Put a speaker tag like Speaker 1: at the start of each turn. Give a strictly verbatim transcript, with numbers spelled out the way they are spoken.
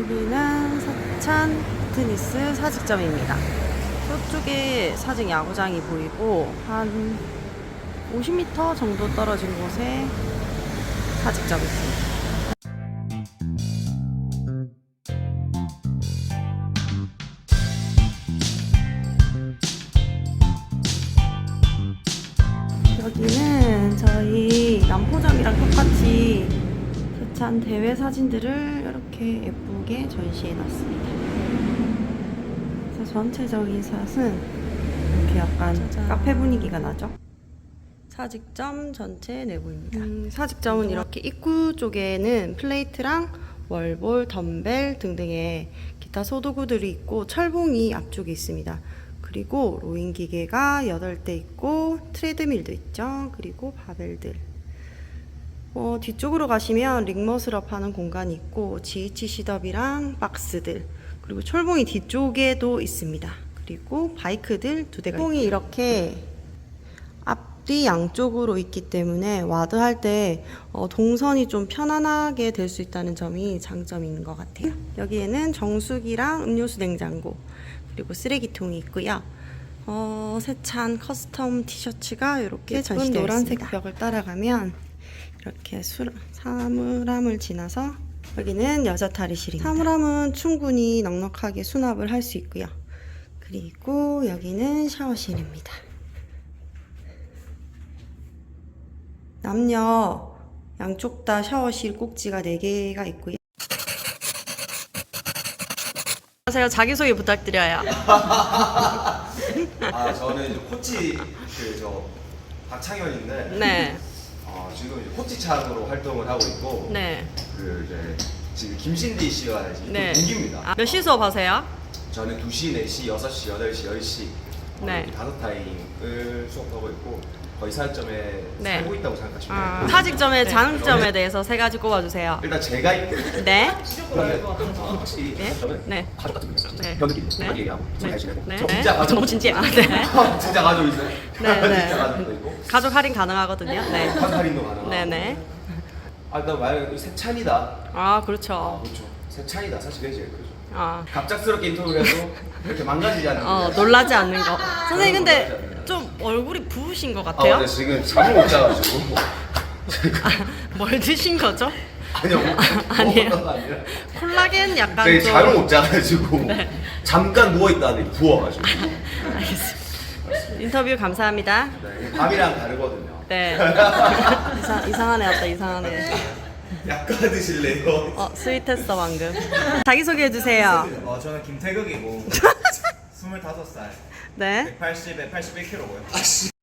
Speaker 1: 여기는 서찬 피트니스 사직점입니다. 저쪽에 사직 야구장이 보이고 한 오십 미터 정도 떨어진 곳에 사직점이 있습니다. 여기는 저희 남포점이랑 똑같이 서찬 대회 사진들을 이렇게 예쁘게 전시해 놨습니다. 그래서 전체적인 샷은 이렇게 약간 짜잔. 카페 분위기가 나죠? 사직점 전체 내부입니다. 음, 사직점은 이렇게 입구 쪽에는 플레이트랑 월볼, 덤벨 등등의 기타 소도구들이 있고 철봉이 앞쪽에 있습니다. 그리고 로잉 기계가 여덟 대 있고 트레드밀도 있죠. 그리고 바벨들. 어, 뒤쪽으로 가시면 링머슬업 하는 공간이 있고 지에이치 시덥이랑 박스들, 그리고 철봉이 뒤쪽에도 있습니다. 그리고 바이크들 두 대가 철봉이 이렇게 앞뒤 양쪽으로 있기 때문에 와드 할 때 어, 동선이 좀 편안하게 될 수 있다는 점이 장점인 것 같아요. 여기에는 정수기랑 음료수 냉장고, 그리고 쓰레기통이 있고요. 어, 세찬 커스텀 티셔츠가 이렇게 전시되어 노란색 있습니다. 벽을 따라가면 이렇게 수, 사물함을 지나서 여기는 여자 탈의실입니다. 사물함은 충분히 넉넉하게 수납을 할 수 있고요. 그리고 여기는 샤워실입니다. 남녀 양쪽 다 샤워실 꼭지가 네 개가 있고요. 제가 자기소개 부탁드려요.
Speaker 2: 아, 저는 이제 코치 그 저 박창현인데,
Speaker 1: 네.
Speaker 2: 어, 지금 이제 코치창으로 활동을 하고 있고,
Speaker 1: 네.
Speaker 2: 그 이제 지금 김신디 씨가 지금
Speaker 1: 네.
Speaker 2: 동기입니다.
Speaker 1: 아, 몇 시 수업하세요?
Speaker 2: 저는 두 시, 네 시, 여섯 시, 여덟 시, 열 시
Speaker 1: 네.
Speaker 2: 이렇게 다섯 타임을 수업하고 있고 거의 사점에
Speaker 1: 네.
Speaker 2: 살고 있다고 생각하시면
Speaker 1: 아,
Speaker 2: 돼요.
Speaker 1: 사직점의
Speaker 2: 네.
Speaker 1: 장점에 대해서 세 가지 꼽아주세요.
Speaker 2: 일단 제가 있고
Speaker 1: 네.
Speaker 2: 확실히
Speaker 1: 네.
Speaker 2: 저는
Speaker 1: 네.
Speaker 2: 가족 같은 거 있어요.
Speaker 1: 네.
Speaker 2: 현 느낌
Speaker 1: 네.
Speaker 2: 자기 얘기하고
Speaker 1: 네.
Speaker 2: 잘 지내고
Speaker 1: 네.
Speaker 2: 저 진짜
Speaker 1: 네.
Speaker 2: 가족
Speaker 1: 너무 진지해. 아, 네.
Speaker 2: 진짜 가족 있어요.
Speaker 1: 네, 네.
Speaker 2: 진짜 가족도 있고
Speaker 1: 가족 할인 가능하거든요. 네.
Speaker 2: 환할인도 가능하고.
Speaker 1: 네네.
Speaker 2: 아, 나 말 세찬이다.
Speaker 1: 아,
Speaker 2: 아,
Speaker 1: 그렇죠.
Speaker 2: 그렇죠. 세찬이다. 사실 그게 제일 크죠.
Speaker 1: 아,
Speaker 2: 갑작스럽게 인터뷰를 해도 이렇게 망가지지 않는.
Speaker 1: 어, 놀라지 않는 거. 선생님,
Speaker 2: 놀라지
Speaker 1: 근데
Speaker 2: 않는.
Speaker 1: 좀 얼굴이 부으신 것
Speaker 2: 아,
Speaker 1: 같아요?
Speaker 2: 근데 지금 잠을 못 자가지고.
Speaker 1: 아, 뭘 드신 거죠?
Speaker 2: 아니요, 뭐,
Speaker 1: 아니에요.
Speaker 2: 먹었던 거 아니라.
Speaker 1: 콜라겐 약간
Speaker 2: 되게
Speaker 1: 좀.
Speaker 2: 잠을 못 자가지고
Speaker 1: 네.
Speaker 2: 잠깐 누워 있다니 부어가지고.
Speaker 1: 알겠습니다. 인터뷰 감사합니다.
Speaker 2: 네, 밤이랑 다르거든요.
Speaker 1: 네. 이상, 이상한 애였다, 이상한 애.
Speaker 2: 약간 드실래요?
Speaker 1: 어, 스윗했어, 방금. 자기소개해주세요.
Speaker 3: 어, 저는 김태극이고 스물다섯 살
Speaker 1: 네.
Speaker 3: 백팔십에 팔십일 킬로그램고요.